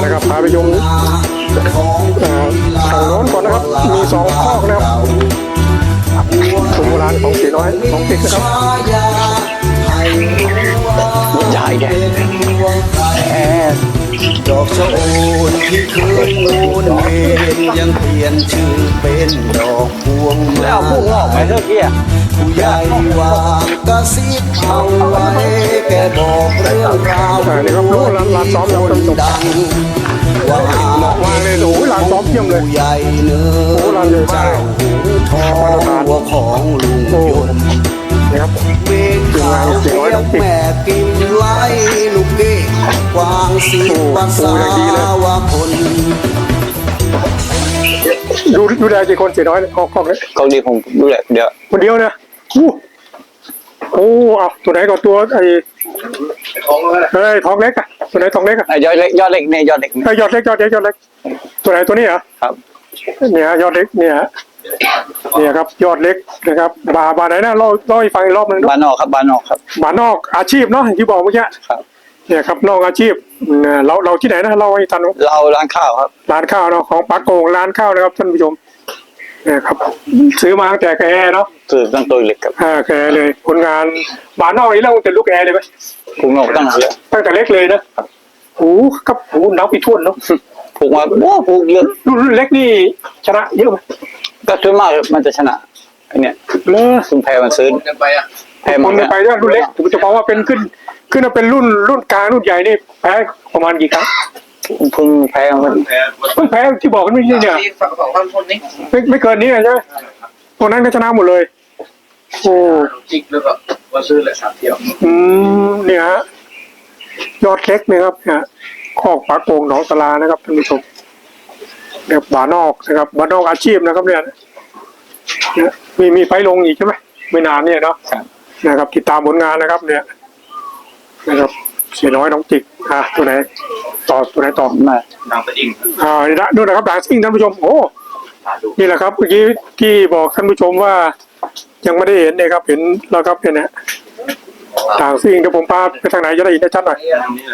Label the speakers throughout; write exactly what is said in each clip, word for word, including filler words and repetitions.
Speaker 1: นะครับพาไปชมทางโน้นก่อนนะครับมีสองคอกนะครับสมโบราณของสีน้อยของติ๊กนะครับ
Speaker 2: มันใหญ่แก
Speaker 3: ดอกชะโอนที่เคยโอนเองยังเปลี่ยนชื่อเป็นดอกพวงมา
Speaker 2: แล้วพุ่งออกไปเท่ากี้
Speaker 3: ผู้ใหญ่วางกระซิบเอาไว้แกบอกเรื่องราว
Speaker 1: นี่ครับรู้ร้านร้านซ้อมแล้วท่านผู้ชม
Speaker 3: ว่า
Speaker 1: มาเลยโอ้ยร้านซ้อมเยี่ยมเลย
Speaker 3: ผู้ใหญ่เนื้อเจ้าหูทองหัวของลุงยนต์
Speaker 1: นะครับ
Speaker 3: เวงขาวเสียงแม่กินไล่ลูกเก้กวางสีภาษาว่าคน
Speaker 1: ดูดูได้กี่คนเสียน้อยคอกคอกเลย
Speaker 2: เขาดีผมดูแหละเดี๋ยว
Speaker 1: คนเดียวเนี่ยอู้โอ้เอาตัวไหนก่อนตัวไอ้ไอ้ทองเล็กอะตัวไหนทองเล็กอะ
Speaker 2: ยอดเล็กยอดเล็กเนี่ยยอดเล็ก
Speaker 1: ไอ้ยอดเล็กยอดเล็กยอดเล็กตัวไหนตัวนี้เหรอ
Speaker 2: ครับ
Speaker 1: เนี่ยยอดเล็กเนี่ยเนี่ยครับยอดเล็กนะครับบาบาไหนนะเล่าเล่าให้ฟังอีกรอบนึง
Speaker 2: บานนอกครับบานนอกครับ
Speaker 1: บานนอกอาชีพเนาะที่บอกเมื่อกี้
Speaker 2: ครับ
Speaker 1: เนี่ยครับนอกอาชีพเราเราที่ไหนนะเราให้ทัน
Speaker 2: เราร้านข้าวครับ
Speaker 1: ร้านข้าวเนาะของปากโกงร้านข้าวนะครับท่านผู้ชมเนี่ยครับซื้อมาตั้งแต่แกเนาะ
Speaker 2: ซื้อตั้งตัวเล็กครับ
Speaker 1: อ่าแกเลยผลงานบานนอกนี้เราจะลูกแอร์เลยไหม
Speaker 2: ผูกนอกตั้งเยอะ
Speaker 1: ตั้งแต่เล็กเลยนะโอ้กับโอ้นับไปทั่วเนาะ
Speaker 2: ผูกมาโอ้ผูกเยอะ
Speaker 1: รุ่นเล็กนี่ชนะเยอะไหม
Speaker 2: ก็ส่วนมากมันจะชนะอันเนี้ย
Speaker 1: เลอ
Speaker 2: คุณแพ้มันซื้อ
Speaker 1: ไปอ่ะแพ้มันไปด้วยรุ่นเล็กผมจะบอกว่าเป็นขึ้นขึ้นมาเป็นรุ่นรุ่นกลางรุ่นใหญ่นี่แพ้ประมาณกี่ครั้ง
Speaker 2: เพิ่งแพ้มัน
Speaker 1: เพิ่งแพ้ที่บอกกันไม่ใช่เนี่ยไม่ไม่เกินนี้ใช่ไหมตรงนั้นก็ชนะหมดเลยโอ้
Speaker 4: จิกแล้วก็ว่าซื้อแหละสามเที่ยว
Speaker 1: อืมเนี่ยฮะยอดเล็กนะครับเนี่ยคอกปากโกงหนองตลานะครับท่านผู้ชมเนี่ยบานอกนะครับบานอกอาชีพนะครับเนี่ยมีมีไฟลงอีกใช่ไหมไม่นานเนี่ยเนาะนะครับติดตามผลงานนะครับเนี่ยนะครับเสียน้อยน้องจิกอ่ะตัวไหนต่อตัวไหนต่อ
Speaker 2: มา
Speaker 4: ดังสะอิ่ง
Speaker 1: อ่านี่นะดูนะครับดังซิ่งท่านผู้ชมโอ้นี่แหละครับเมื่อกี้ที่บอกท่านผู้ชมว่ายังไม่ได้เห็นเลยครับเห็นแล้วครับเนี่ยนะดังซิ่งเดี๋ยวผมพาไปทางไหนจะได้เห็นได้ชัดหน่อย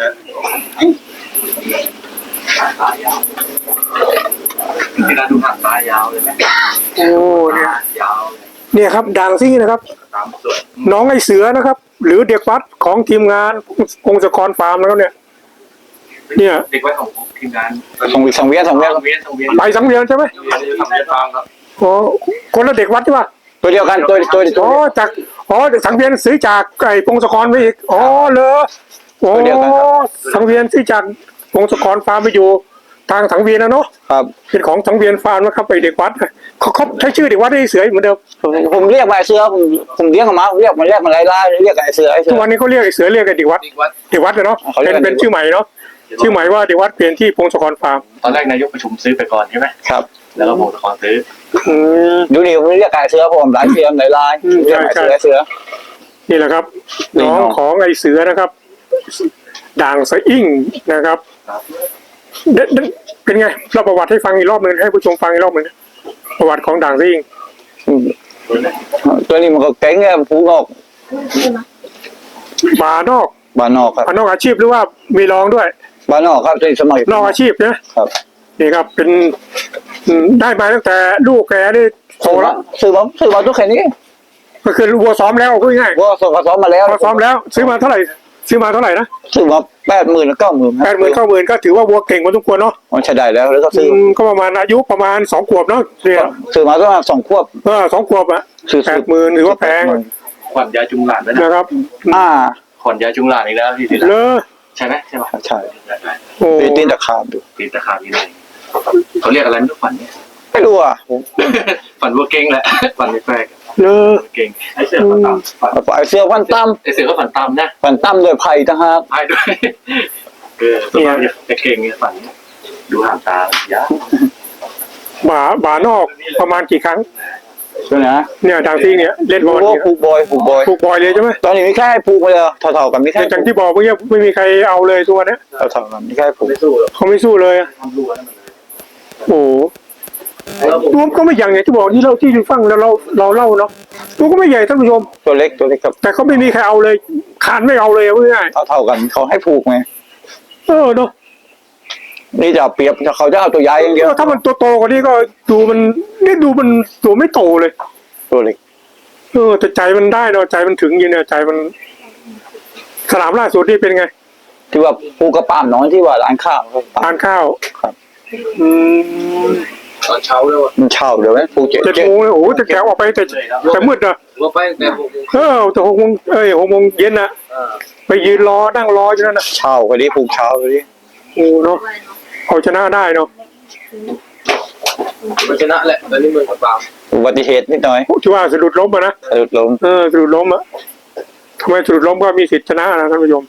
Speaker 4: นี่นะดูหางตายาวเลยไหม
Speaker 1: โอ้เนี่ย
Speaker 4: ยาว
Speaker 1: เนี่ยครับดังซิ่งนะครับน้องไอเสือนะครับหรือเด็กวัดของทีมงานพงศกรฟาร์มแล้วเนี่ยเนี่ย
Speaker 4: เด็กวัดของทีมงาน
Speaker 2: สองสังเวียนสังเวียน
Speaker 1: ไปสังเวียนใช่ไหมอ๋อคนละเด็กวัดใช่ป่ะ
Speaker 2: ตัวเดียวกันตัวตัว
Speaker 1: อ๋อจากอ๋อสังเวียนซื้อจากไอ้พงศกรไปอีกอ๋อเลยโอ้สังเวียนซื้อจากพงศกรฟาร์มไปอยู่ทางสังเวียนนะเนาะ
Speaker 2: ครับ
Speaker 1: เป็นของสังเวียนฟาร์มนะครับไปเด็กวัดเขาเขาใช้ชื่อเด็กวัดได้เสือเหมือนเดิม
Speaker 2: ผมเรียกไอ้เสือผมผมเรียกมาเรียกมันเรียกมันไล่ไล่เรียกไอ้เสือไอ้เสือ
Speaker 1: ทุกวันนี้เขาเรียกไอ้เสือเรียกไอ้เด็กวัดเด็กวัดเนาะเป็นเป็นชื่อใหม่เนาะชื่อใหม่ว่าเด็กวัดเปลี่ยนที่พงศกรฟาร์ม
Speaker 4: ตอนแรกนายกประชุมซื้อไปก่อนใช่ไหม
Speaker 2: ครับ
Speaker 4: แล้วก็พงศกรซื้อ
Speaker 2: ดูนี่ผมเรียกไอ้เสือผมหลายเสือหลายลายเรียกไอ้เสือไอ้เสือ
Speaker 1: นี่แหละครับน้องของไอ้เสือนะครับด่างสะอิ่งนะครับเป็นไงเราประวัติให้ฟังอีกรอบหนึ่งให้ผู้ชมฟังอีกรอบหนึ่งประวัติของด่างสะอิ่ง
Speaker 2: ตัวนี้มันก็เก่งไงผูกออก
Speaker 1: บานอก
Speaker 2: บานอกครับ
Speaker 1: บานอกอาชีพหรือว่ามีรองด้วย
Speaker 2: บานอกครับในสมัย
Speaker 1: นอกอาชีพนะครับนี่ครับเป็นได้มาตั้งแต่ลูกแกได้โตแล้ว
Speaker 2: ซื้อมาซื้อมาทุกแค่นี้
Speaker 1: ก็คือวัวซ้อมแล้วพูดง่าย
Speaker 2: วัวซ้อมมาแล้ว
Speaker 1: วัวซ้อมแล้วซื้อมาเท่าไหร่ซื้อมาเท่าไหร่นะ
Speaker 2: ซื้อมาแปดหมื่นเก้าหมื่น
Speaker 1: แปดหมื่นเก้าหมื่นก็ถือว่าวัวเก่งมาทุกคนเนาะ
Speaker 2: มันใช้ได้แล้วแล้วก็ซื้อ
Speaker 1: ก็ประมาณอายุประมาณสองขวบเนาะเนี่ย
Speaker 2: ซื้อมาประมาณสองขวบ
Speaker 1: เออสองขวบอ่ะแปดหมื่นถือว่าแพง
Speaker 4: ขวัญยาจุงหลาน
Speaker 1: นะครับ
Speaker 2: อ่า
Speaker 4: ขวัญยาจุงหลานอีกแล้วที่สิ
Speaker 1: เลอ
Speaker 4: ใช่ไหมใช่ไหม
Speaker 2: ใช่โอ้ตีนตะขาบดู
Speaker 4: ตีนตะขาบนี่เลยเขาเรียกอะไรไม่รู้ขวัญเนี่ย
Speaker 2: ไม่รู้อ่ะ
Speaker 4: ขวัญวัวเก่งแหละขวัญไม่แปลก
Speaker 1: เลอ
Speaker 4: เก่งไอเสือขวัญตั้ม
Speaker 2: ไอเสือขวัญตั้ม
Speaker 4: ไอเสือก็ขวัญตั้มนะ
Speaker 2: ขวัญตั้มด้วยไผ่ทั้งห้า
Speaker 4: ไผ่ด้วยเออสมัยจะเก่งเนี่ยขวัญดูหางตายาว
Speaker 1: หมาหมานอกประมาณกี่ครั้ง
Speaker 2: ใช่ไหม
Speaker 1: เนี่ยดังที่เนี่ยเล่นบอล
Speaker 2: ผูกบอยผูกบอย
Speaker 1: ผูกบอยเลยใช่ไหม
Speaker 2: ตอนนี้ไม่แค่ผูกไปเลยเท่าๆกันไม่แค่
Speaker 1: จังที่บอกเมื่อกี้ไม่มีใครเอาเลยตัวนี้
Speaker 2: เท่าๆกันไม่แค่ผูก
Speaker 1: เขาไม่สู้เลยโอ้ตัวก็ไม่ใหญ่ไงที่บอกที่เราที่ฟังแล้วเราเราเล่าเนาะตัวก็ไม่ใหญ่ท่านผู้ชม
Speaker 2: ตัวเล็กตัวเล็กครับ
Speaker 1: แต่เขาไม่มีใครเอาเลยคานไม่เอาเลยเพื่อน
Speaker 2: เท่าๆกันเขาให้ผูกไง
Speaker 1: เออเนาะ
Speaker 2: นี่จะเอาเปรียบเขาจะเอาตัวใหญ่อย่างเดียว
Speaker 1: ถ้ามันตัวโตกว่านี้ก็ดูมันนี่ดูมันตัวไม่โตเลย
Speaker 2: ตัวเล็ก
Speaker 1: เออแต่ใจมันได้เนาะใจมันถึงอยินเนี่ยใจมันสนามล่าสุดนี่เป็นไง
Speaker 2: ที่ว่าปูกระป้ามน้อยที่ว่าร้านข้าว
Speaker 1: ทานข้าว
Speaker 2: ครับ
Speaker 1: อืม
Speaker 4: ตอนเช้าเลยว่ะ
Speaker 2: มันเช่าเดี๋ยวไหมปูเจ็ด
Speaker 1: เจ็ด
Speaker 2: เจ็ด
Speaker 1: โมงเลยโอ้โหแต่แกออกไปแต่แต่มืดอะ
Speaker 4: ว่าไปแต่หกโมง
Speaker 1: เออแต่หกโมงเอ้ยหกโมงเย็นนะ
Speaker 4: อ่า
Speaker 1: ไปยืนรอนั่งรออยู่นั่นนะ
Speaker 2: เช่าก็ดีปูเช่าก็ดี
Speaker 1: โอ้เนาะเอาชนะได้เนาะ
Speaker 4: มันชนะแหละตอนนี้มันกับปาม
Speaker 2: อุบัติเหตุนิดหน่อย
Speaker 1: ที่ว่าสะดุดล้มอะนะ
Speaker 2: สะดุดล้ม
Speaker 1: เออสะดุดล้มอะทำไมสะดุดล้มก็มีสิทธิชนะนะท่านผู้ชม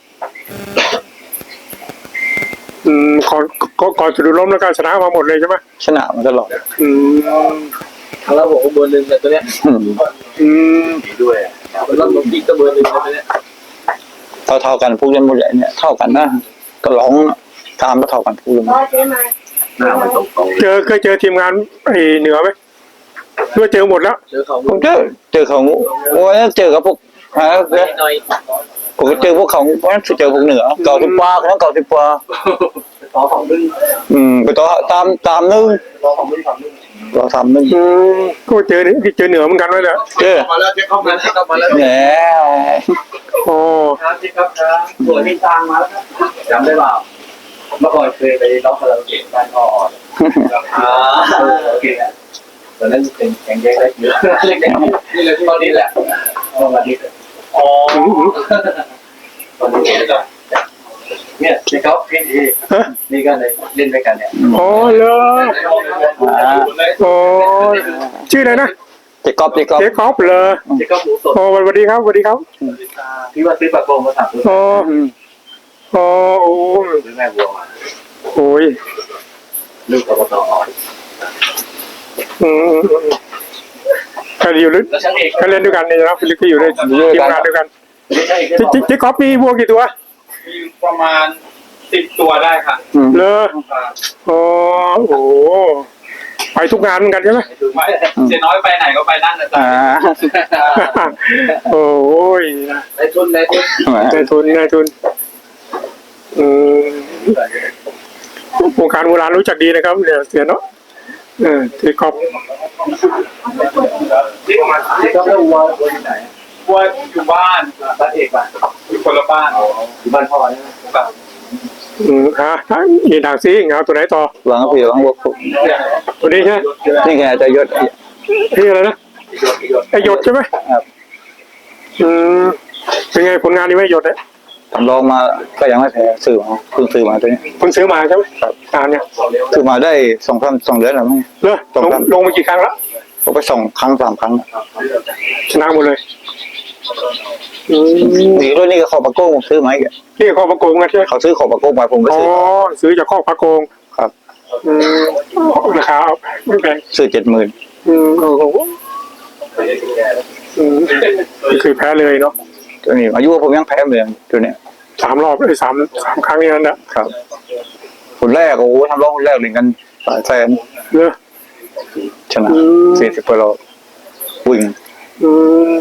Speaker 1: อืมก่อนก่อนก่อนสะดุดล้มแล้วก็ชนะมาหมดเลยใช่ไหม
Speaker 2: ชนะมาตลอด
Speaker 1: อืม
Speaker 4: แล้วผมก็เบอร์หนึ่งแต่ตัวเนี้ย
Speaker 2: อืม
Speaker 1: อืม
Speaker 4: ดีด้วยแล้วผมยิงก็เบอร์หนึ่งตัวเนี้ย
Speaker 2: เท่าเท่าๆกันพูดกันหมดเลยเนี่ยเท่ากันนะก็ร้องตามก็เท่ากันพูดกันหมด
Speaker 4: หน้ามันตรงตรง
Speaker 1: เจอเคยเจอทีมงานไอ้เหนือไหมหรือว่าเจอหมดแล้ว
Speaker 4: เจอเขา
Speaker 2: ผมเจอเจอเขาโอ้ยเจอกับพวกฮะ
Speaker 4: หน่อย
Speaker 2: ผมก็เจอพวกเขาวันนั้นเจอพวกเหนือเก่าสิบปาคนนั้นเก่าสิบปา
Speaker 4: ต่อของมึง
Speaker 2: อืมไปต่อตามตามนึง
Speaker 4: ต่อของมึงของมึง
Speaker 2: เราทำนึง
Speaker 1: อืมก็เจอนี่เจอเหนือเหมือนกันไว้แหละ
Speaker 2: เจอ
Speaker 4: มาแล้วเช็คเข้ามาเช็คเข้ามาแล้ว
Speaker 2: แล้ว
Speaker 1: อ๋อ
Speaker 4: ครับเช็คครับครับตัวที่ตางมาแล้วครับจำได้เปล่าเมื่อก่อนเคยไปร้องคาราโอเกะบ้านพ่ออ่าโอเคตอนนั้นเป็นแข่งแยกได้เยอะเล็กๆนี่เลยตอนนี้แหละตอนนี้อ๋อตอนนี้ก็เนี่ยที่เขาพี่ดีนี่ก็เลยเล่นด้วยกันเนี่ย
Speaker 1: อ๋อเหรออ๋อชื่ออะไรนะ
Speaker 2: เจ๊กอบเจ๊กอบ
Speaker 1: เจ๊คอปเลย
Speaker 4: ที่เขาหมูสด
Speaker 1: อ๋อสวัสดีครับสวัสดีครับ
Speaker 4: พี่ว่าซื้อปลาโกงมาสั่งซื้อ
Speaker 1: อ๋ออ๋อโอ้
Speaker 4: ซื้อแม่วัวมา
Speaker 1: โอ้ย
Speaker 4: ลูกกบฏอ่อน
Speaker 1: อืมใครอยู่หรือ
Speaker 4: แล้วช่างเอก
Speaker 1: ใครเล่นด้วยกันเนี่ยนะฟิลิปก็อยู่ในทีมงานด้วยกัน
Speaker 4: ช่างเอก
Speaker 1: เจ๊เจ๊เจ๊คอปมีวัวกี่ตัว
Speaker 4: มีประมาณสิบตัวได้ค่ะ
Speaker 1: เลออ๋อโอ้ไปทุกงานเหมือนกันใช่ไหม
Speaker 4: ไม่เจ๊น้อยไปไหนก็ไปนั่นนะจ๊ะ
Speaker 2: อ่า
Speaker 1: โอ้ย
Speaker 4: ในทุนในทุน
Speaker 1: นายทุนนายทุนอืมวงการโบราณรู้จักดีนะครับเนี่ยเสียเนาะเออเจ๊คอป
Speaker 4: ที่ประมาณที่เขาเรียกวัววัวอยู่ไหนวัวอยู่บ้านบ้านเอกบ้านอยู่คนละบ้านอยู่บ้านพ่อใช่ไหมบ้าน
Speaker 1: อืมฮะอีด่างซิงเอาตัวไหนต่อ
Speaker 2: หวังผีหวังบวก
Speaker 1: ตัวนี้ใช่ไหม
Speaker 2: นี่ไงจะยศ
Speaker 1: ที่อะไรนะไอหยดใช่ไหม
Speaker 2: ครับ
Speaker 1: อืมเป็นไงผลงานนี้ไหมหยดเนี่ย
Speaker 2: ทำลองมาก็ยังไม่แพ้ซื้อมาเพิ่งซื้อมาตัวนี้
Speaker 1: เพิ่งซื้อมาใช่ไหมครับงานเนี่ย
Speaker 2: ซื้อมาได้สองพันสองเดือนแล้วมั้ง
Speaker 1: เลอลงลงมากี่ครั้งแล้ว
Speaker 2: ผมไปสองครั้งสามครั้ง
Speaker 1: ชนะหมดเลยอืม
Speaker 2: นี่รุ่นนี้ก็ขอปะโก้ผมซื้อมาอีก
Speaker 1: นี่ข้อประโกงกันใช่ไหม
Speaker 2: เขาซื้อขอปะโก้มาผมก็
Speaker 1: อ๋อ
Speaker 2: ซื้อ
Speaker 1: ซื้อจากข้อประโกง
Speaker 2: ครับ
Speaker 1: อืมราคาไม่แพง
Speaker 2: ซื้อเจ็ดหมื่น
Speaker 1: อืมโอ้โหอืมไม่เคยแพ้เลยเนาะ
Speaker 2: ตัวนี้อายุผมยังแพ้เหมือนตัวเนี้ย
Speaker 1: สามรอบเลยสามสามครั้งนี้นั่นแหละ
Speaker 2: ครับคนแรกโอ้โหทำร้องคนแรกเล่นกันหลายแสน
Speaker 1: เลอ
Speaker 2: ชนะ
Speaker 1: อืม
Speaker 2: สี่สิบกว่าโลวิ่ง
Speaker 1: อืม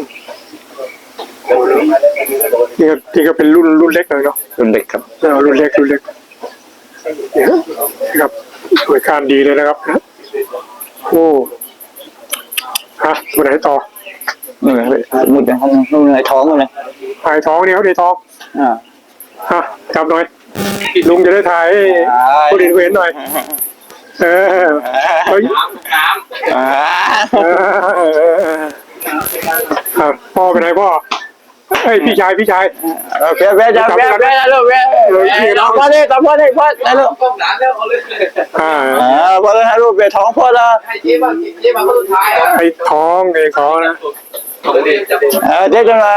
Speaker 1: นี่ก็นี่ก็เป็นรุ่นรุ่นเล็กหน่อยเนาะ
Speaker 2: รุ่นเด็กครับ
Speaker 1: เออรุ่นเล็กรุ่นเล็กเนี่ยครับสวยการดีเลยนะครับนะโอ้ฮะตัวไหนต่อ
Speaker 2: นี่ไงมุดอย่างนั้นนู่นไงท้องเลย
Speaker 1: ถ่ายท้องเนี่ยเขาได้ท้อง
Speaker 2: อ่า
Speaker 1: ฮะจับหน่อยลุงจะได้ถ่ายให้ผู้เรียนเห็นหน่อยเออเฮ้ย
Speaker 4: น้ำน้ำ
Speaker 2: อ่า
Speaker 1: เออครับพ่อเป็นไงพ่อเอ้ยพี่ชายพี่ชาย
Speaker 2: เพี้ยเพี้ยจะเพี้ยเพี้ยนะลูกเพี้ยตอบพ่อดิตอบพ่อดิพ่อนะลูก
Speaker 4: ก้มหลานแล้วเอาเลย
Speaker 1: อ่า
Speaker 2: อ่าพ่อเลยนะลูกเพี้ยท้องพ่อละ
Speaker 4: ให้เจ๊บ้างเจ๊บ้างคนสุดท้ายอ่ะ
Speaker 1: ไอ้ท้องไอ้ท้องนะ
Speaker 4: เดี๋ยวจะบอก
Speaker 2: เออเจ๊จะมา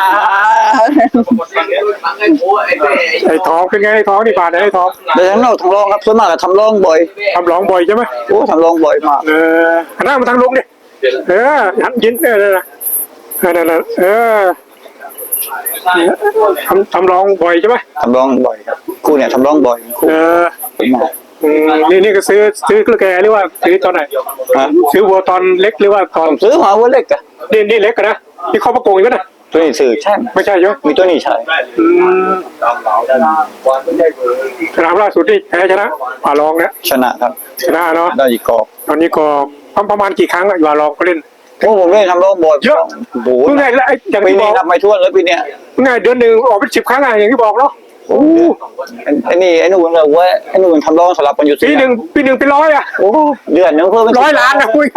Speaker 4: ฟังไอ้โอ้ไอ้เจ๊
Speaker 1: ไอ้ท้องเป็นไงไอ้ท้องนี่บาดไหนไอ้ท้อง
Speaker 2: เดี๋ยวทั้งนอกทั้งรองครับส่วนมากทำรองบ่อย
Speaker 1: ทำร้องบ่อยใช่ไหม
Speaker 2: โอ้ทำรองบ่อยมาก
Speaker 1: เออหันหน้ามาทางลุงดิเออหันยินเออเออเออเออทำทำร้องบ่อยใช่ไหม
Speaker 2: ทำรองบ่อยครับคู่เนี่ยทำรองบ่อยคู่
Speaker 1: เออ
Speaker 2: มาก
Speaker 1: อืมนี่นี่ก็ซื้อซื้อกระแกหรือว่าซื้อตอนไหน
Speaker 2: ฮะ
Speaker 1: ซื้อวัวตอนเล็กหรือว่าตอน
Speaker 2: ผมซื้อมาวัวเล็กอะ
Speaker 1: นี่นี่เล็กกันนะนี่ข้อประโกงอยู่นะ
Speaker 2: ตัวนี้สื่อใช่
Speaker 1: ไม่ใช่ใช่ไหม
Speaker 2: มีตัวนี้ใช่
Speaker 1: อืม
Speaker 4: ตามเราได้วันไม่ได้เบอร์
Speaker 1: สนามล่าสุดนี่แพ้ชนะป่าลองเนี่ย
Speaker 2: ชนะครับ
Speaker 1: ชนะเนาะ
Speaker 2: ได้อีกกอก
Speaker 1: ตอนนี้ก็ประมาณกี่ครั้งอะอยู่ป่าลองก็เล่น
Speaker 2: โอ้ผมเล่นทำโลกบอล
Speaker 1: เยอะ
Speaker 2: โอ้โห
Speaker 1: เพิ่งไงแล้วไอ้อย่าง
Speaker 2: ปี
Speaker 1: ที่บ
Speaker 2: นี้
Speaker 1: อก
Speaker 2: นับไม่ถ้วนแล้วปีเนี้ย
Speaker 1: ไงเดือนหนึ่งออกเป็นสิบครั้งอะอย่างที่บอกเนาะโอ้
Speaker 2: ไอ้ไอ้นี่ไอ้นู่นเลยเว้ยไอ้นู่นทำโลกสลับกันอยู่
Speaker 1: ปีหนึ่งปีหนึ่งเป็นร้อยอะ
Speaker 2: โอ้เดือนหนึงเพิ่มเป็น
Speaker 1: ร้อยล้านนะคุย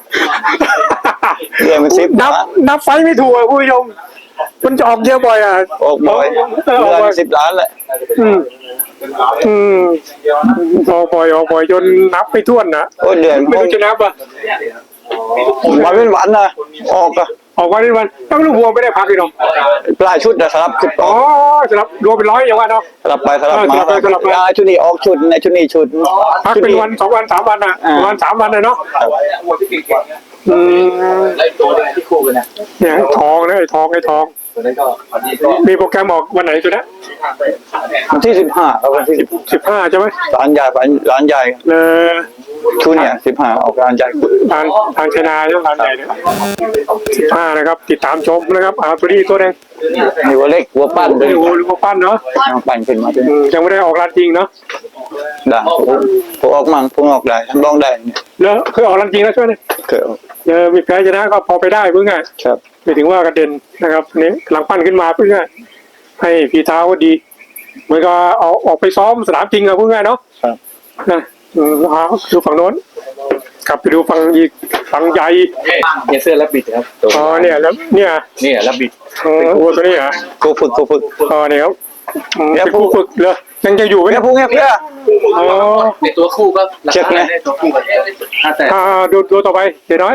Speaker 2: เดือนเป็นสิบ
Speaker 1: นับ
Speaker 2: ล้าน
Speaker 1: นับไฟไม่ถูกอะคุณผู้ชมมันจะออกเยอะบ่อยอะ
Speaker 2: ออกบ่อย
Speaker 1: เออออก
Speaker 2: เดือน
Speaker 1: บ่อย
Speaker 2: สิบล้านแหละ
Speaker 1: อืมอืมออกบ่อยออกบ่อยจนนับไม่ถ้วนนะ
Speaker 2: โอ้เดือน
Speaker 1: ไม่รู้จะนับอะ
Speaker 2: วันเป็นวันนะออกอะ
Speaker 1: ออกวันเป็นวันต้องลูกวัวไม่ได้พักเลยเนาะ
Speaker 2: ปลายชุดนะสลับชุดอ
Speaker 1: อ๋อ
Speaker 2: อก
Speaker 1: สำหรับรวมเป็นร้อยอย่างว่าเนาะ
Speaker 2: สลับไปสลับ
Speaker 1: เออ
Speaker 2: มา
Speaker 1: สลับไปสลับมา
Speaker 2: อ่าชุดนี้ออกชุดในชุดนี้ชุด
Speaker 1: พักเป็นวันสองวันสามวันอะ
Speaker 2: อ่า
Speaker 1: ประมาณสามวันเลยเนาะ
Speaker 4: วัวที่เก่งๆ
Speaker 1: อืม
Speaker 4: ไล่ตัวเนี่ยที่คู่กันนะ
Speaker 1: เนี่ยไอ้ทองนะไอ้ทองไอ้ทอง
Speaker 4: ตัวนั้นก็อันนี้ก็
Speaker 1: มีโปรแกรมออกวันไหนตัวเนี้ย
Speaker 2: วันที่สิบห้าครับวันที่สิบ
Speaker 1: สิบห้าใช่ไหม
Speaker 2: ร้านใหญ่ร้านร้านใหญ่
Speaker 1: เออ
Speaker 2: ชุดเนี่ยสิบห้าออกร้านใหญ่
Speaker 1: ทางทางชนาใช่ไหมทางใหญ่เนี่ยสิบห้านะครับ ติดตามชมนะครับอาตัวนี้ตัวแดง
Speaker 2: มีวัวเล็กวัวปั้นด้วย
Speaker 1: โอ้โหลูกปั้นเนาะ
Speaker 2: เอาปั้นขึ้นมาด้วย
Speaker 1: อืมยังไม่ได้ออกร้านจริงเนาะ
Speaker 2: ได้ผมผมออกมั่งผมออกได้ทำลองได้เนี่ย
Speaker 1: แล้วเคยออกร้านจริงแล้วใช่ไหมเนี่ย
Speaker 2: เคยออก
Speaker 1: เออมีแพ้ชนะก็พอไปได้เพื่อไง
Speaker 2: ครับ
Speaker 1: ไม่ถึงว่ากระเด็นนะครับอันนี้หลังปั้นขึ้นมาเพื่อไงให้ฝีเท้าก็ดีเหมือนกับเอาออกไปซ้อมสนามจริงอะเพื่อไงเนาะ
Speaker 2: ครับ
Speaker 1: นะอืมเอาดูฝั่งโน้นกลับไปดูฝั่งอีกฝั่งใหญ่
Speaker 4: เนี่ยเสื้อรับบิดครับ
Speaker 1: อ๋อเนี่ยแล้วเนี่ย
Speaker 4: นี่รับบิด
Speaker 1: เออวัวตัวนี้เหรอ
Speaker 2: กูฝึกกูฝึก
Speaker 1: อ๋อเนี่ยครับอืม
Speaker 2: เนี่ย
Speaker 1: เป็นผู้ฝึกเลยยังจะอยู่ไหม
Speaker 2: เนี่
Speaker 1: เนี่ย ย
Speaker 2: พวกเนี้ยเพื่อ
Speaker 1: อ๋อ
Speaker 4: ในตัวคู่ก็รา
Speaker 2: เช็ค
Speaker 4: คา
Speaker 2: นะ
Speaker 4: ในตัวคู่ก็ห้าแสน
Speaker 1: อ่าดูดูต่อไปเดี๋ยวน้อย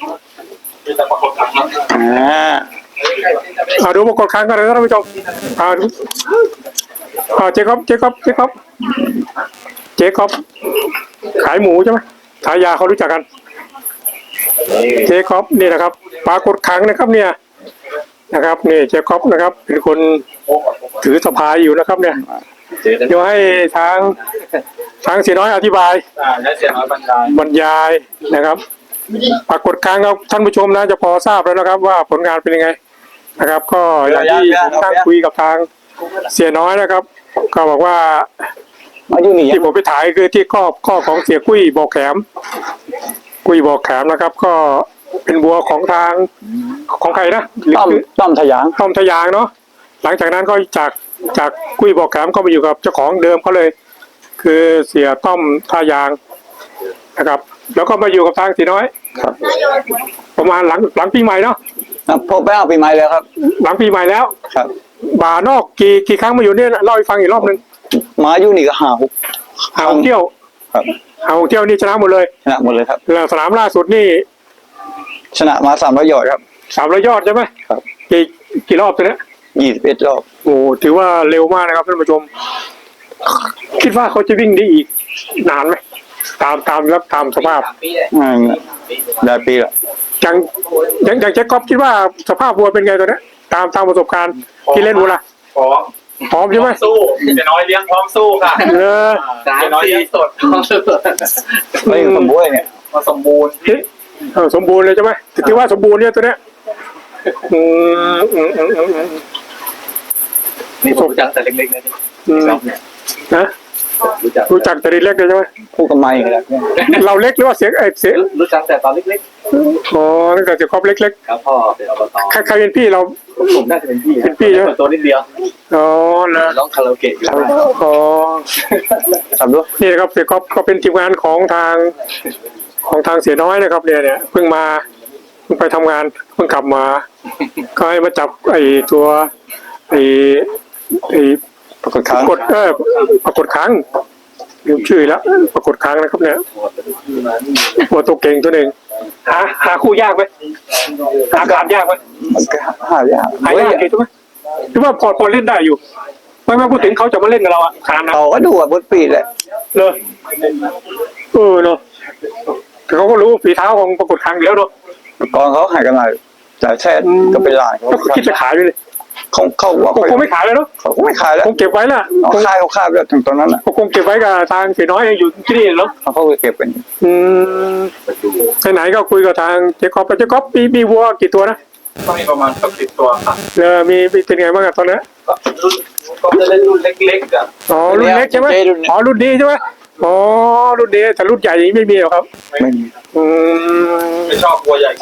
Speaker 2: อ่า
Speaker 1: อ่าดูประกอบค้างกันเลยนะท่านผู้ชมอ่าดูอ่าเจ๊คอบเจ๊คอบเจ๊คอบเจ๊คอบขายหมูใช่ไหมขายยาเขารู้จักกัน เจ๊คอบนี่นะครับปรากฏค้างนะครับเนี่ยนะครับนี่เจ๊คอบนะครับ เป็นคนถือสะพายอยู่นะครับ เนี่ย
Speaker 4: เจอกัน
Speaker 1: เดี๋ยวให้ทางทางเสียน้อยอธิบาย
Speaker 4: อ่าและเสียน้อยบรรดา
Speaker 1: บรรยายนะครับปรากฏการณ์ครับท่านผู้ชมนะจะพอทราบแล้วนะครับ ว่าผลงานเป็นยังไงนะครับ ก็อย่างที่ผมตั้งคุยกับทางเสียน้อยนะครับ ก็บอกว่า
Speaker 2: มาอยู่นี่
Speaker 1: ที่ผมไปถ่ายคือที่ข้อข้อของเสียกุ้ยบอกแขมกุ้ยบอกแขมนะครับ ก็เป็นบัวของทางของใครนะหรือ
Speaker 2: ต้อมต้อมทะยาง
Speaker 1: ต้อมทะยางเนาะหลังจากนั้นก็จากจากกุ้ยบอกแขมก็มาอยู่กับเจ้าของเดิมเขาเลย คือเสียต้อมทะยางนะครับ แล้วก็มาอยู่กับทางสีน้อย
Speaker 2: ครับ
Speaker 1: ประมาณหลังหลังปีใหม่เนาะ
Speaker 2: อ่ะพบไปเอาปีใหม่แล้วครับ
Speaker 1: หลังปีใหม่แล้ว
Speaker 2: ครับ
Speaker 1: บ่านอกกี่กี่ครั้งมาอยู่เนี่ยเล่าให้ฟังอีกรอบหนึ่ง
Speaker 2: มาอยู่นี่ก็หาหก
Speaker 1: หาหกเที่ยว
Speaker 2: ครับ
Speaker 1: หาหกเที่ยวนี่ชนะหมดเลย
Speaker 2: ชนะหมดเลยครับ
Speaker 1: แล้วสนามล่าสุดนี่
Speaker 2: ชนะมาสามร้อยยอดครับ
Speaker 1: สามร้อยยอดใช่ไหม
Speaker 2: ครับ
Speaker 1: กี่กี่รอบตัวเนี้ย
Speaker 2: ยี่สิบเอ็ดรอบ
Speaker 1: โอ้ถือว่าเร็วมากนะครับท่านผู้ชม คิดว่าเขาจะวิ่งได้อีกนานไหมตามตามรับตามสภาพ
Speaker 2: อ่าได้ปีละ
Speaker 1: อย่างอย่างอย่างแจ็คก๊อฟคิดว่าสภาพวัวเป็นไงตัวเนี้ยตามตามประสบการณ์ที่เล่นวัวละ
Speaker 4: พร้อม
Speaker 1: พร้อมใช่ไหม
Speaker 4: สู้เสียน้อยเลี้ยงพร้อมสู้ค่ะ
Speaker 1: เออ
Speaker 4: สามสี่สดพร้อมสู้
Speaker 2: เฮ้ยสมบูรณ์เนี่ย
Speaker 4: มาสมบูรณ์
Speaker 1: เอ๊ะเออสมบูรณ์เลยใช่ไหมถือว่าสมบูรณ์เนี่ยตัวเนี้ยอืมอืมอืมอืมอืม
Speaker 4: นี่ผมรู้จักแต่เล็กๆนะ
Speaker 1: อืม
Speaker 4: ครับเนี่ย
Speaker 1: นะ
Speaker 4: รู้จัก
Speaker 1: รู้จักแต่เล็กเลยใช่ไหม
Speaker 2: พูดกับไม่เลย
Speaker 1: เราเล็กหรือว่าเสียงเออเสียง
Speaker 4: รู้จักแต่ตอนเล็ก
Speaker 1: อ๋อตั้งแต่เสียงครอบเล็ก
Speaker 4: ๆครับพ่อเป็นอบต
Speaker 1: ๆใครใครเป็นพี่เรา
Speaker 4: ผมน่าจะเป็นพี่
Speaker 1: เป็นพี่ใช่ไหม
Speaker 4: ตัวนิดเดียว
Speaker 1: อ๋อเหรอ
Speaker 4: ร้องคาราโอเกะอยู่
Speaker 1: อ๋อ
Speaker 2: ทำด้วย
Speaker 1: นี่นะครับเสียครอบก็เป็นทีมงานของทางของทางเสียน้อยนะครับเนี่ยเนี่ยเพิ่งมาเพิ่งไปทำงานเพิ่งกลับมา ก็ให้มาจับไอ้ตัวไอ้ไอ้
Speaker 2: ปรากฏครั้ง
Speaker 1: กดเออปรากฏครั้งลืมชื่อแล้วปรากฏครั้งนะครับเนี่ยตัวตัวเก่งตัวหนึ่งหาหาคู่ยากไหมหาการยากไหม
Speaker 2: มันก็หายาก
Speaker 1: หายากอยู่ใช่ไหมหรือว่าพอพอเล่นได้อยู่ไม่ไม่พูดถึงเขาจะมาเล่นกับเราอ่ะคานนะ
Speaker 2: เขาก็ดูอ่ะบนปีแหละ
Speaker 1: เลยเออเนาะแต่เขาก็รู้ฝีเท้าของปรากฏครั้งอยู่แล้วเนาะ
Speaker 2: กองเขาหายกันมาจ่ายแท้ก็เป็นหลานเขา
Speaker 1: ก็คิดจะขายไปเลย
Speaker 2: เขาเขาว่า
Speaker 1: คงไม่ขายเลยเนาะ
Speaker 2: เขาก็ไม่ขายแล้ว
Speaker 1: คงเก็บไว้ละ
Speaker 2: เขา
Speaker 1: คง
Speaker 2: ขายเขาขายแล้วถึงตอนนั้นอ่ะ
Speaker 1: คงเก็บไว้กับทางเสียน้อยอยู่ที่นี่เนาะ
Speaker 2: เขาก็เก็บเป็น
Speaker 1: อืมไหนๆก็คุยกับทางเจ๊กอบเจ๊กอบมีมีวัวกี่ตัวนะ
Speaker 4: ก็มีประมาณสักสิบตัวครับ
Speaker 1: เออมีมีเป็นไงบ้างอะตอนนั้น
Speaker 4: ก็รุ่นก็จะเล่นรุ่นเล็กๆอ่ะ
Speaker 1: อ๋อรุ่นเล็กใช่ไหมอ๋อรุ่นดีใช่ไหมอ๋อรุ่นดีแต่รุ่นใหญ่นี้ไม่มีหรอกครับ
Speaker 2: ไม่มี
Speaker 1: อืม
Speaker 4: ไม่ชอบวัวใหญ่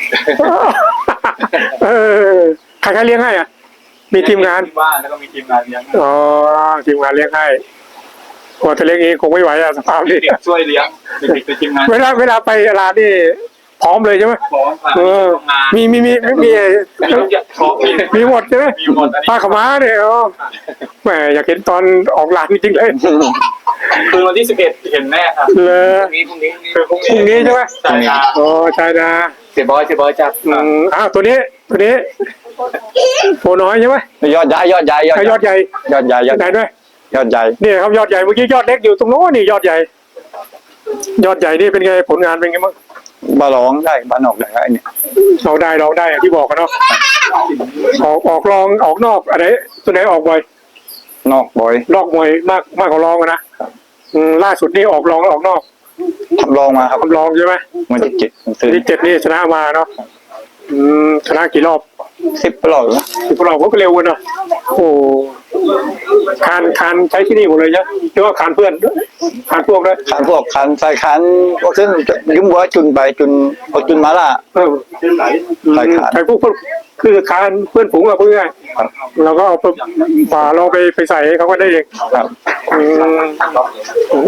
Speaker 1: เออใครใครเลี้ยงให้อ่ะมีทีมงาน
Speaker 4: ที่บ้านแล้วก็มีทีมงานเลี้ยง
Speaker 1: อ๋อทีมงานเลี้ยงให้โอ้แต่เลี้ยงเองคงไม่ไหวอะสภาพนี้
Speaker 4: เด็กช่วยเลี้ยงเด็กๆเป็นทีมงาน
Speaker 1: เวลาเวลาไปร้านนี่พร้อมเลยใช่ไหม
Speaker 4: พร้อมค่ะ
Speaker 1: เออ
Speaker 4: ทำงาน
Speaker 1: มีมีมีมีมี
Speaker 4: พร้อมมี
Speaker 1: มีหมดใช่ไหม
Speaker 4: มีหมดอันนี้
Speaker 1: ปลาขาวม้าเนี่ยอ๋อแหมอยากเห็นตอนออกร้านจริงๆเลย
Speaker 4: คือวันที่สิบเอ็ดเห็นแน่ครับ
Speaker 1: เลย
Speaker 4: พรุ่งนี้พรุ่งนี้คือพรุ่ง
Speaker 1: พรุ่งนี้ใช่ไหม
Speaker 4: ใช่ครับ
Speaker 1: โอ้ใช่นะ
Speaker 4: เสียบอยเสียบอยจับ
Speaker 1: อืมอ้าวตัวนี้ตัวนี้โผน้อยใช่ไหม
Speaker 2: ยอดใหญ่ยอดใหญ่ยอด
Speaker 1: ใช่ยอดใหญ่
Speaker 2: ยอดใหญ่ยอด
Speaker 1: ไหนด้วย
Speaker 2: ยอดใหญ่
Speaker 1: นี่ครับยอดใหญ่เมื่อกี้ยอดเล็กอยู่ตรงโน้นนี่ยอดใหญ่ ยอดใหญ่นี่เป็นไงผลงานเป็นไงบ้าง
Speaker 2: บาร้องได้บานอกได้ไอ้เนี่ย
Speaker 1: เราได้เราได้อย่างที่บอกกันเนาะออกออกรองออกนอกอะไรตัวไหนออกบ่อย
Speaker 2: นอกบ่อย
Speaker 1: ลอกมวยมากมากกว่ารองอะนะอืมล่าสุดนี่ออกรองแล้วออกนอก
Speaker 2: ทำลองมาครับ
Speaker 1: ทำรองใช่ไหม
Speaker 2: มันจะเจ็ดมันตื่น
Speaker 1: ที่เจ็ดนี่ชนะมาเนาะอืมชนะกี่รอบ
Speaker 2: สิบรอบนะ
Speaker 1: สิบรอบก็เร็วกันเนาะโอ้คานคานใช้ที่นี่หมดเลยใช่ไหมหรือว่าคานเพื่อนคานพวกด้วย
Speaker 2: ขันพวกขันใส่ขันพวกซึ่งยุ่งวัวจุนไปจุนเอาจุนมาล่ะ
Speaker 1: เออ
Speaker 2: ใส่คาน
Speaker 1: ใช้พวกพวกคือคานเพื่อนฝูงอะเพื่อน
Speaker 2: ครับ
Speaker 1: เราก็เอาไปป่าเราไปไปใส่ให้เขาก็ได้เอง
Speaker 2: ครับ
Speaker 1: อืม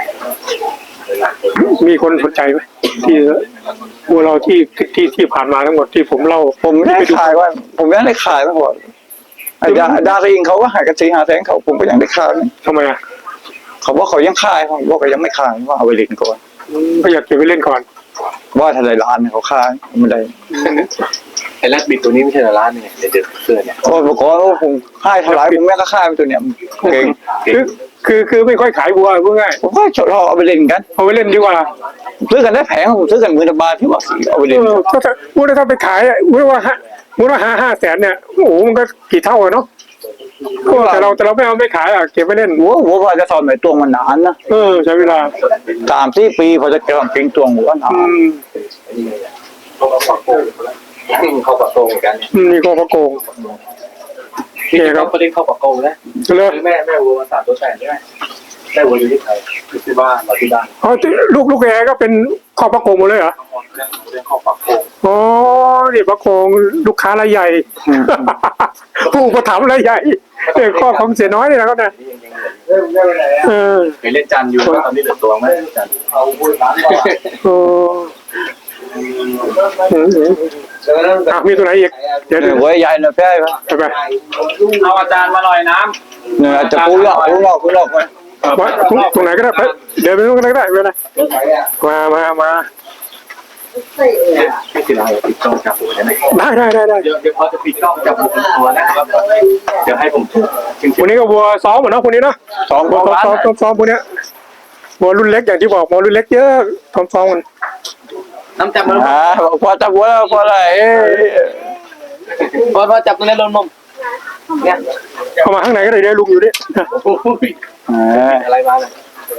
Speaker 1: มีคนสนใจไหมที่วัวเราที่ที่ที่ผ่านมาทั้งหมดที่ผมเล่า
Speaker 2: ผมไม่ได้ขายว่า ผมยังได้ขายมาก่อนไอ้ดาดาริงเขาก็หายกันสี่ห้าแสนเขาผมก็ยังได้ขาย
Speaker 1: ทำไมอ่ะ
Speaker 2: เขาบอกเขายังขายผมบอกเขายังไม่ขายว่าเอาไปเล่นก่อน
Speaker 1: ก็อยากเก็บไว้เล่นก่อน
Speaker 2: ว่าทลายร้านเขาขายไม่ได้
Speaker 4: ไอ้แรดบิดตัวนี้ไม่ใช่ร้านเนี่ยเด็ดเสื้อเนี่ย
Speaker 2: โอ้ผมก่อนว่าผมขายเท่าไหร่ผมแม่ก็ขายมันตัวเนี้ยเก่ง
Speaker 1: คือคือคือไม่ค่อยขายวัวพูดง่าย
Speaker 2: ผมก็ชอบเอาไปเล่นกัน
Speaker 1: เอาไว้เล่นดีกว่า
Speaker 2: ซื้อกันได้แพงผมซื้อกันหมื่นบาทที่ว่าสีเอาไป
Speaker 1: เอ
Speaker 2: เล่น
Speaker 1: อก็ถ้าพูดถ้าไปขายอ่ะพูดว่าฮะพูดว่าห้าห้าแสนเนี่ยโอ้โหมันก็กี่เท่าอะเนาะแต่เราแต่เราไม่เอาไม่ขายอ่ะเก็บไว้เล่น
Speaker 2: หัวหัวพอจะสอนใหม่ตัวมันนานนะ
Speaker 1: เออใช้เวลา
Speaker 2: สามสี่ปีพอจะเก็บเก่งตัวหัวนา
Speaker 1: อื
Speaker 2: น
Speaker 1: ม
Speaker 4: เขาก็ปักโป่งเขาปักโป่งเหมือนกัน
Speaker 1: อืมนี่ก็พระโกง
Speaker 4: ที่เขาประเด็นเข้าปักโป่งนะ
Speaker 1: เลย
Speaker 4: คือแม่แม่วัวสามตัวแสนใช่ไหมแม่วัวอยู่ที่ไทยอยู่ที่บ้านเราที่บ้าน
Speaker 1: อ๋อที่ลูกลูกแอร์ก็เป็นครอบพระโกงหมดเลยเหรอ
Speaker 4: เรื่องเรื่องเข้าปักโป่ง
Speaker 1: อ๋อนี่พระโกงลูกค้ารายใหญ่ ผู้อุประถมภ์รายใหญ่เออข้อของเสียน้อยนี่นะครับนะ
Speaker 4: นี่ยังยังเหลือเรื่องอะไรอ่ะ
Speaker 1: เออ
Speaker 4: เคยเล่นจันอยู่ตอนนี้เหลือตัวไหมจันเอาพูดร้านก่อน
Speaker 1: โอ้อืมอืมอ่ะมีตัวไหนอีกเดี๋ยว
Speaker 2: เนี่
Speaker 1: เดี๋
Speaker 2: ย
Speaker 1: ยว
Speaker 2: หัวใหญ่หน่อยแพ้ไหม
Speaker 1: ไปไป
Speaker 4: เอาอาจารย์มาหน่อยน้
Speaker 2: เนี่ยอาจจะปูหลอกปูหลอกปูหลอกไหม
Speaker 1: ว่าตรงตรงไหนก็ได้ไปเดี๋ยวไปตรงไหนก็ได้ไม่เป็นไรมามามา
Speaker 4: ำไม่ติดอะไรปิดกล้องจับหัวได้ไหม
Speaker 1: ได้ได้ได้ได้
Speaker 4: เดี๋ยวเดี๋ยวพอจะปิดกล้องจับหัวตัวนะครับเดี๋ยวให้ผมจริง
Speaker 1: วันนี้ก็วัวซ้อมเหมือนเนาะคนนี้เนาะ
Speaker 2: สอง
Speaker 1: วัว
Speaker 2: ร้าน
Speaker 1: ซ้อมซ้อมซ้อมพวกเนี้ยวัวรุ่นเล็กอย่างที่บอกวัวรุ่นเล็กเยอะซ้อมซ้อมกัน
Speaker 4: ๆน้ำจับมัน
Speaker 2: อ่าพอจับหัวแล้วพออะไรเอ้ย
Speaker 4: พอพอจับตรงนี้ลงนมเนี่ย
Speaker 1: เข้ามาข้างในก็ได้เดี๋ยวลุงอยู่นี่
Speaker 2: อ่า
Speaker 4: อะไรมาเลย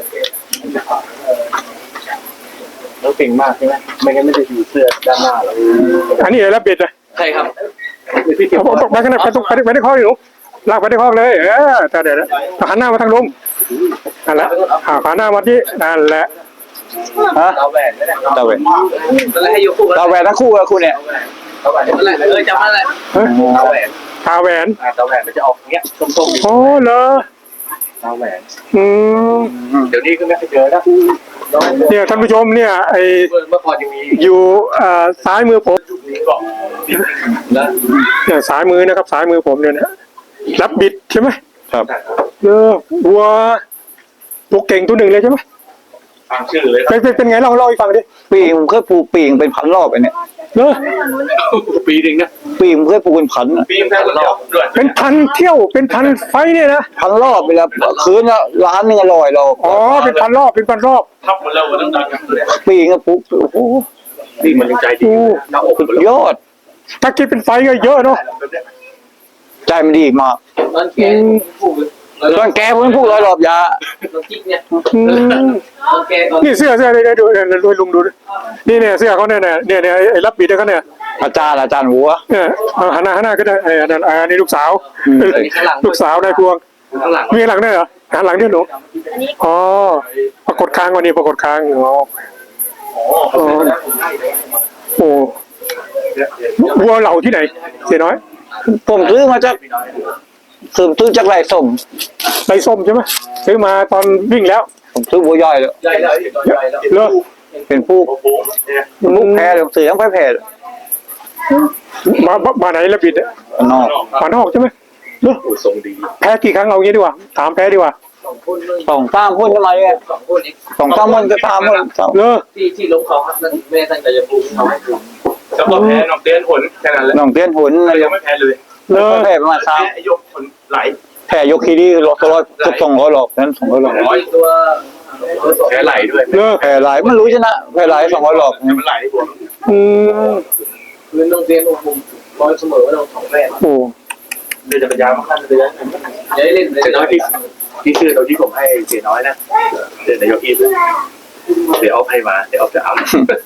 Speaker 4: แล้วเก่งมากใช่ไหมไม่งั้นไม่ได้อยู่เสื้อด้านหน้าหรอก
Speaker 1: อันนี้แล้วเบ็ดนะ
Speaker 4: ใช่ครับ
Speaker 1: เอาเอาเอาไปข้างในไปตรงไปไปในคอกอยู่ลากไปในคอกเลยเออแต่เดี๋ยวนะหันหน้ามาทางลุงนั่นแหละอ่าหันหน้ามาที่นั่นแหละ
Speaker 2: ฮะ
Speaker 4: เราแหวนไม่ได้
Speaker 2: ตาแหวน
Speaker 4: แล้วให้ยกคู่กัน
Speaker 2: ตาแหวนทั้งคู่กับคุณเนี่ย
Speaker 4: เราแหวนนั่นแหละเออจำนั่นแหละ
Speaker 1: เฮ้ย
Speaker 4: เราแหวน
Speaker 1: ตาแหวน
Speaker 4: อ่าเราแหวนมันจะออกเงี้ยส้มๆ
Speaker 1: โอ้เหรอ
Speaker 4: เราแหวน
Speaker 1: อืม
Speaker 4: เดี๋ยวนี้ก็ไม่เคยเจอแล้ว
Speaker 1: เนี่ยท่านผู้ชมเนี่ยไอ
Speaker 4: เมื่อก่อนยังมี
Speaker 1: อยู่อ่าซ้ายมือผม
Speaker 4: นี้ก่อนแล้ว
Speaker 1: เนี่ยซ้ายมือนะครับซ้ายมือผมเนี่ยนะรับบิดใช่ไหม
Speaker 2: ครับ
Speaker 1: เออวัวตัวเก่งตัวหนึ่งเลยใช่ไหม
Speaker 4: ฟังชื่อเลย
Speaker 1: เป็นเป็นเป็นไงเล่าเล่าให้ฟังดิ
Speaker 2: ปีงผมเคยปลูกปีงเป็นพันรอบไอ้เนี่ย
Speaker 1: เออ
Speaker 4: ปีหนึ่งนะ
Speaker 2: ปีงผมเคยปลูกเป็นพันอะ
Speaker 4: ปีแค่รอบด้วย
Speaker 1: เป็นพันเที่ยวเป็นพันไฟเนี่ยนะ
Speaker 2: พันรอบไปแล้วคืนละล้านหนึงอร่อยเรา
Speaker 1: อ๋อเป็นพันรอบเป็นพันรอบ
Speaker 4: ทับหมดแล้วมันต้องดังกันเลย
Speaker 2: ปีงก็ปลูกโอ้โห
Speaker 4: นี่มันยังใจดีหน้าอกหมดแล้ว
Speaker 2: ยอด
Speaker 1: ถ้าคิดเป็นไฟก็เยอะเนาะ
Speaker 2: ใจมันดีมาก
Speaker 4: ตอนแกพูด
Speaker 2: ตอนแกผมพูดร้อยรอบยา
Speaker 4: ตอนกิ๊กเนี่ย
Speaker 1: อืม
Speaker 4: ตอนแกตอน
Speaker 1: นี่เสื้อเสื้อเดี๋ยวดูเดี๋ยวดูให้ลุงดูดินี่เนี่ยเสื้อเขาเนี่ยเนี่ยเนี่ยเนี่ยไอ้รับบิดเขาเนี่ย
Speaker 2: อาจารย์อาจารย์วัว
Speaker 1: เนี่ยเอาหันหน้าหันหน้าก็ได้ไอ้อันนั้นอันนี้ลูกสาว
Speaker 2: อืม
Speaker 1: ลูกสาวนายพวง
Speaker 4: ข้างหลัง
Speaker 1: มีหลังด้วยเหรอหันหลังด้วยหนูอ๋อปรากฏค้างวันนี้ปรากฏค้างอ๋ออ๋อโอ้วัวเหล่าที่ไหนเสียน้อย
Speaker 2: ผมซื้อมาจากซื้อซื้อจากไรส้ม
Speaker 1: ไรส้มใช่ไหมซื้อมาตอนวิ่งแล้ว
Speaker 2: ผมซื้อวัวย่อยเลย
Speaker 4: ใหญ่แล้วใหญ่แล้ว
Speaker 1: เลิก
Speaker 2: เป็นผู้ลูกแพ้เลยเสือยังไม่แพ้เลย
Speaker 1: มามามาไหนแล้วบิดอะ
Speaker 2: นอก
Speaker 1: มานอกใช่ไหมเลิก
Speaker 4: ทรงดี
Speaker 1: แพ้กี่ครั้งเอางี้ดีกว่าถามแพ้ดีกว่า
Speaker 4: สองคนเลย
Speaker 2: สองสามคนทำไมเนี่ย
Speaker 4: สองคนนี้
Speaker 2: สองสามคนก็ตามคนสอง
Speaker 1: เลิก
Speaker 4: ที่ที่ล้มเขาครับนั่นแม่ตั้งใจจะปูเขาให้ดูจะบอกแพ้นอกเดือนผลแค่นั้นแหละ
Speaker 2: น้องเตี้ยนหุนอะไร
Speaker 4: ยังไม่แพ้เลย
Speaker 1: เลิก
Speaker 2: แพ้ประมาณสาม
Speaker 4: ยกผลไหล
Speaker 2: แพ้ยกคีดีร้อยร้อยเกือบสองร้อยหรอกนั้นสองร้อยหรอก
Speaker 4: ร้อยตัวแพ้ไหลด้วย
Speaker 1: เลิก
Speaker 2: แพ้หลายไม่รู้ชนะแพ้หลายสองร้อยหรอก
Speaker 4: มันไหลบวม
Speaker 1: อืม
Speaker 4: คือโรงเรียนอุโมงค์ร้อยเสมอว่าเราสองแม่
Speaker 1: โอ้
Speaker 4: เดินจักรยานมาขั้นเดือนเดี๋ยวเล่นเสียน้อยที่ที่ชื่อเราที่ผมให้เสียน้อยนะเดินนายกอีฟเดี๋ยวเอาให้มาเดี๋ยวเอาจะเอา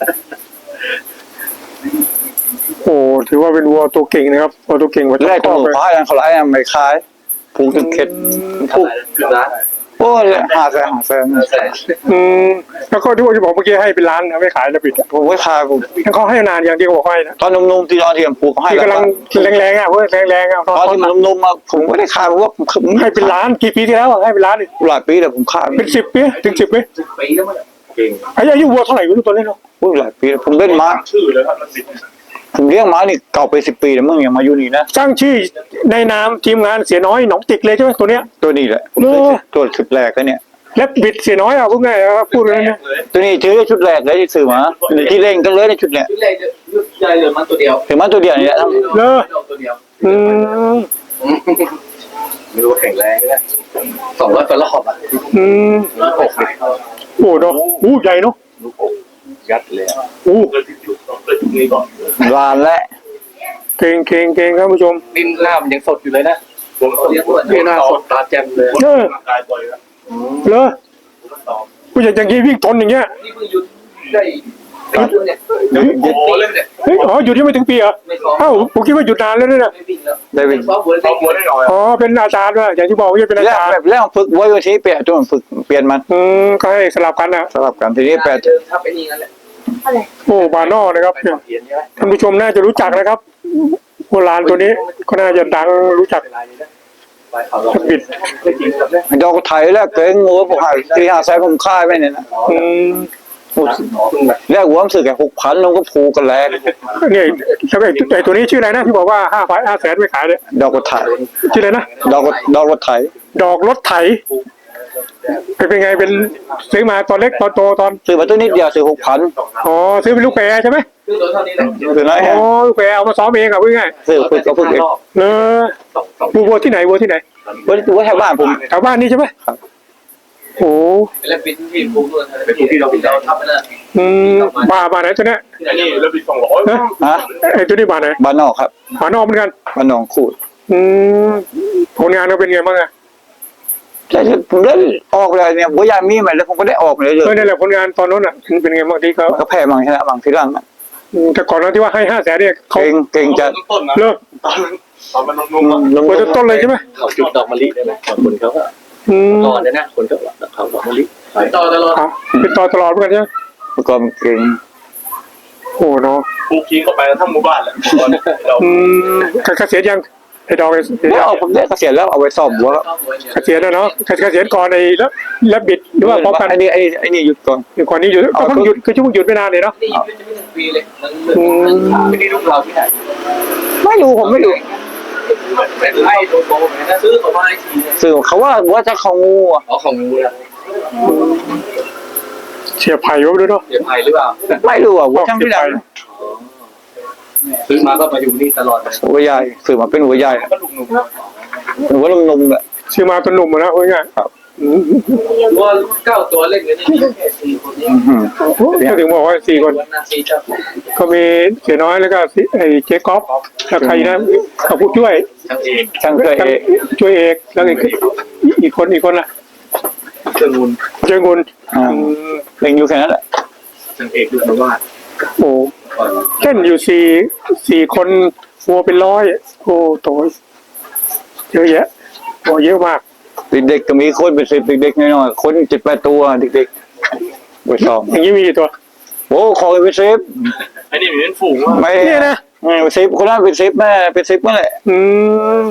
Speaker 1: โอ้ถือว่าเป็นวัวตัวเก่งนะครับวัวตัวเก่งกว่า
Speaker 2: แร
Speaker 1: เจ้าก
Speaker 2: ตัว
Speaker 1: พ่อเลย
Speaker 2: ฟ้าอย่างเขาไล่ไม่คล้ายผูกจนเข็ด
Speaker 4: พูดคือร้าน
Speaker 2: โอ้ยหาแสนหาแสน
Speaker 4: แต่
Speaker 1: อืมแล้วก็ที่ว่าที่บอกเมื่อกี้ให้เป็นร้านนะไม่ขายแล้วปิดอะ
Speaker 2: ผมไม่ขายผม
Speaker 1: แล้วเขาให้นานอย่างที่เขาบอกให้นะ
Speaker 2: ตอนนุ่มๆที่ตอนที่ผมปลูกให้
Speaker 1: ที่กำลังแรงๆอ่ะเว้ยแรงๆอ่ะ
Speaker 2: ตอนที่มันนุ่มๆมาผมไม่ได้ขายเพราะว่า
Speaker 1: ให้เป็นล้านกี่ปีที่แล้วอะให้เป็นล้านดิ
Speaker 2: หลายปีแต่ผมขาย
Speaker 1: เป็นสิบปีถึงสิบปี
Speaker 4: สิบปีแล้วมั้งเก่ง
Speaker 1: อายุอายุวัวเท่าไหร่วัวตัวเล็กเนาะ
Speaker 2: อุ้ยหลายปีผมเล่นม้า
Speaker 4: ชื่อเลยครับมันบิด
Speaker 2: ผมเลี้ยงม้านี่เก่าไปสิบปีแล้วมึงยังมาอยู่นี่นะ
Speaker 1: สร้างชื่อในนามทีมงานเสียน้อยหนองติกเลยใช่ไหมตัวเนี้ย
Speaker 2: ตัวนี้แหละผมได้ตัวชุดแรกแล้วเนี่ย
Speaker 1: และบิดเสียน้อยอ่ะพูดง่ายๆครับพูดเลยนะ
Speaker 2: ตัวนี้ชื่อชุดแรกเลยที่ซื้อมาที่เล่นกันเลยในชุดเนี่ย
Speaker 4: ชุดแรกยุดใจเหลือมันตัวเดียว
Speaker 2: ถึงมันตัวเดียวนี่แหละ
Speaker 4: ตัวเดียว
Speaker 1: อืม
Speaker 4: ไม่รู้แข็งแรงนะสองร้อยกว่ารอบอ่ะ
Speaker 1: อืม
Speaker 4: หกสิบ
Speaker 1: โอ้เนาะอู้ใหญ่เนาะ
Speaker 4: ลูกอกยัดเลย
Speaker 1: อู้
Speaker 4: เกิดอยู่ต้องเกิดตรงนี้ก่อน
Speaker 2: วานและ
Speaker 1: เก่งเก่งเก่งครับผู้ชม
Speaker 4: ดินล่ามยังสดอยู่เลยนะผมเรียกว่าหน้าสดตาแจ่มเลย
Speaker 1: เออ
Speaker 4: ตายบ่อยแล้ว
Speaker 1: เลอผู้ใหญ่อย่างนี้วิ่งทนอย่างเงี้ย
Speaker 4: นี่เพิ่งหยุดได้ปีนึงเนี่ยหยุดปีเนี่ย
Speaker 1: เฮ้ยอ๋อหยุดยังไม่ถึงปีเหรอ
Speaker 4: ไม่ซ้อม
Speaker 1: เอ้าผมคิดว่าหยุดนานแล้วเนี่ยนะ
Speaker 4: ไม่วิ่งแล้ว
Speaker 2: ได้เป็น
Speaker 4: ซ้อมบัวซ้อมบัวได้หน่อย
Speaker 1: อ๋อเป็นอาจารย์ด้วยอย่างที่บอกว่าจะเป็นอา
Speaker 2: แล้ว
Speaker 1: จารย์
Speaker 2: แบบแล้วฝึกไว้วันที่เปลี่ยนตัวฝึกเปลี่ยนมัน
Speaker 1: อืมก็ให้สลับกันนะ
Speaker 2: สลับกันทีนี้แปด
Speaker 4: เจอถ้าเป็นอย่างนั้นแหละ
Speaker 1: โอ้บานอนะครับเนี่ย
Speaker 4: เขียนใช่ไหม
Speaker 1: ท่านผู้ชมน่าจะรู้จักนะครับโบราณตัวนี้ก็น่าจะดังรู้จัก
Speaker 4: บิดไม่จริงครับเนี่ย
Speaker 2: ดอกไถแล้วเก่งหัวผมหาที่หาใช้ผมค่ายไปเนี่ยนะ
Speaker 1: อืม
Speaker 2: แรกหัวผมสึกแค่หกพันลงก็ผูกกันแล้ว
Speaker 1: เนี่ยแล้วไอ้ไอ้ตัวนี้ชื่ออะไรนะที่บอกว่าห้าพันห้าแสนไม่ขายเนี่ย
Speaker 2: ดอกไถ
Speaker 1: ชื่ออะไรนะ
Speaker 2: ดอกดอกไถ
Speaker 1: ดอกรถไถเป็นไงเป็นซื้อมาตอนเล็กตอนโตตอน
Speaker 2: ซื้อมาตัวนิดเดียวซื้อหกพัน
Speaker 1: อ๋อซื้อเป็นลูกแพรใช่ไหม
Speaker 4: คือตัวเท่านี้แหละ
Speaker 2: ซื้อน้อย
Speaker 1: อ๋อลูกแพรเอามาซ้อมเองอ่ะพูดง่าย
Speaker 2: ซื้อฝึกก็ฝึกเอง
Speaker 1: ๆเนอะวัววัวที่ไหนวัวที่ไหน
Speaker 2: ว่าว่าแถวบ้านผม
Speaker 1: แถวบ้านนี่ใช่ไหมโอ้
Speaker 4: แล้วเป็นที่ภูมิเป็นภูมิที่เราเป็นเราทำไปแล้ว
Speaker 1: อืมบาบาไหนตัวเนี้ย
Speaker 4: อันนี้เราเป็นสองร้อย
Speaker 2: ฮะ
Speaker 1: ไอ้ตัวนี้บาไหน
Speaker 2: บ้านนอกครับ
Speaker 1: บานอกเหมือนกัน
Speaker 2: บ้านนองขูด
Speaker 1: อืมผลงานเราเป็นไงบ้างอะ
Speaker 2: แต่ผมได้ออกเลยเนี่ยบัวยามีใหม่แล้วผมก็ได้ออกเลยเลย
Speaker 1: เออนี่นแหละผลงานตอนนั้นอ่ะเป็นไงบ้างที่เขา
Speaker 2: ก็แพ้บางชนะบางที่ร่าง
Speaker 1: อืมแต่ก่อนนั้นที่ว่าให้ห้าแสนเนี่ยเขา
Speaker 2: เก่งเก่งจัด
Speaker 4: ต้นนะ
Speaker 1: เลิก
Speaker 4: ตอนมันนุ่มๆอ่ะ
Speaker 2: ลง
Speaker 1: ตัวต้นเลยใช่ไหม
Speaker 4: เขาจุดดอกมะลิได้ไหมคนเขาก็
Speaker 1: อืม
Speaker 4: รอดเลยนะคนเขาเขาดอกมะลิต่อตลอด
Speaker 1: อ๋อเป็นต่อตลอดเหมือนกันใช่ไหม
Speaker 2: ประกอบเก่ง
Speaker 1: โอ้เนาะ
Speaker 4: ปลูกทิ้งเข้าไปแล้วทั้งหมู่บ้านแหละเรา
Speaker 1: อืมเกษียณยังไอ้ดอกเกษียณ
Speaker 2: ไม่เอาผมได้เกษียณแล้วเอาไว้ซ่อมหัว
Speaker 1: เกษียณแล้วเนาะเกษียณก่อนไอ้แล้วแล้วบิดหรือว่าพร้อมกัน
Speaker 2: ไอ้นี่ไอ้ไอ้นี่หยุดก่อน
Speaker 1: ก่อนนี้หยุดก็เพิ่งหยุดคือช่วงหยุดไม่นานเลยเนาะ
Speaker 4: นี่ยังไม่ถึงปีเลยมันไม่ได้ลูกเราที่ไหน
Speaker 2: ไม่รู้ผมไม่รู้
Speaker 4: เป็นไล่โตโตๆนะซื้อตัวไม้ทีเนี่ย
Speaker 2: สื่อเขาว่าว่าจะเขางูอ่ะ
Speaker 4: เอาของงูนะ
Speaker 1: เสียไผ่ไว้ด้วยเนาะ
Speaker 4: เดี๋ยวไผ่หรือเปล่า
Speaker 2: ไม่รู้อ่ะหัวช่างที่ไหน
Speaker 4: ซื้อมาก็มาอยู่นี่ตลอดเลย
Speaker 2: หัวใหญ่สื่อมาเป็นหัวใหญ่
Speaker 4: ก็ลุงหนุ่ม
Speaker 2: หัวนุ่มๆแบบ
Speaker 1: ซื้อมาเป็นหนุ่มอะนะพูดง่ายๆอืม
Speaker 4: ว่าเก้าตัวเล่นกันนี่แค่สี่คนนี้
Speaker 1: ก็ถึงบอกว่าสี่คน
Speaker 4: วันนาซีเจ้า
Speaker 1: ก็มีเสียน้อยแล้วก็ไอ้เจ๊ก๊อฟแล้วใครนะกับผู้ช่วย
Speaker 4: ทั้งเอง
Speaker 2: ช่างเคยเอ
Speaker 1: ช่วยเอกแล้วอีกอีกคนอีกคนล่ะ
Speaker 4: เครื่องมูล
Speaker 1: เจ้าเงิน
Speaker 2: อ่าเล่นอยู่แค่นั้นแหละ
Speaker 4: ทั้งเอกดูมาว่า
Speaker 1: โอ้เล่นอยู่สี่สี่คนวัวเป็นร้อยโอ้โตเยอะแยะโอ้เยอะมาก
Speaker 2: เด็กๆก็มีคนเป็นสิบเด็กๆน้อยๆคนเจ็ดแปดตัวเด็กๆไปซ้อม
Speaker 1: อย่างนี้มีกี่ตัว
Speaker 2: โอ้ขอเป็นสิบ
Speaker 4: อันนี้เหมือนฝูงว่ะ
Speaker 2: ไม่
Speaker 1: เนี่ยนะ
Speaker 2: อืมสิบคนนั้นเป็นสิบแม่เป็นสิบนั่นแหละ
Speaker 1: อืม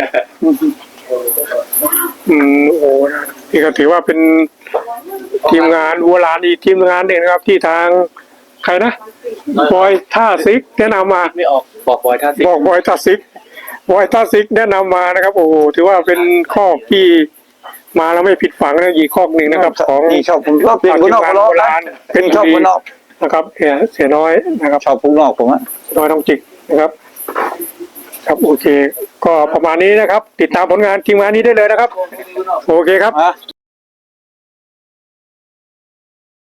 Speaker 1: อืมโอ้นะนี่ก็ถือว่าเป็นทีมงานวัวลานอีกทีมงานหนึ่งนะครับ ที่ทางใครนะบอยท่าซิกแนะนำมา
Speaker 4: ไม่ออกบอกบอยท่าสิ
Speaker 1: บอกบอยท่าซิกบอยท่าซิกแนะนำมานะครับ โอ้โหถือว่าเป็นข้อที่มาแล้วไม่ผิดฝังนะอีกข้อหนึ่งนะครับ ของ
Speaker 2: นี่ชอบผมชอบเป็นคนนอกคนนอกนะเป็นชอบคนนอก
Speaker 1: นะครับเสียเสียน้อยนะครับ
Speaker 2: ชอบคนนอกผมอะ
Speaker 1: น้อยต้องจิกนะครับ ครับโอเค ก็ประมาณนี้นะครับ ติดตามผลงานทีมงานนี้ได้เลยนะครับ โอเคครับ
Speaker 2: ฮะ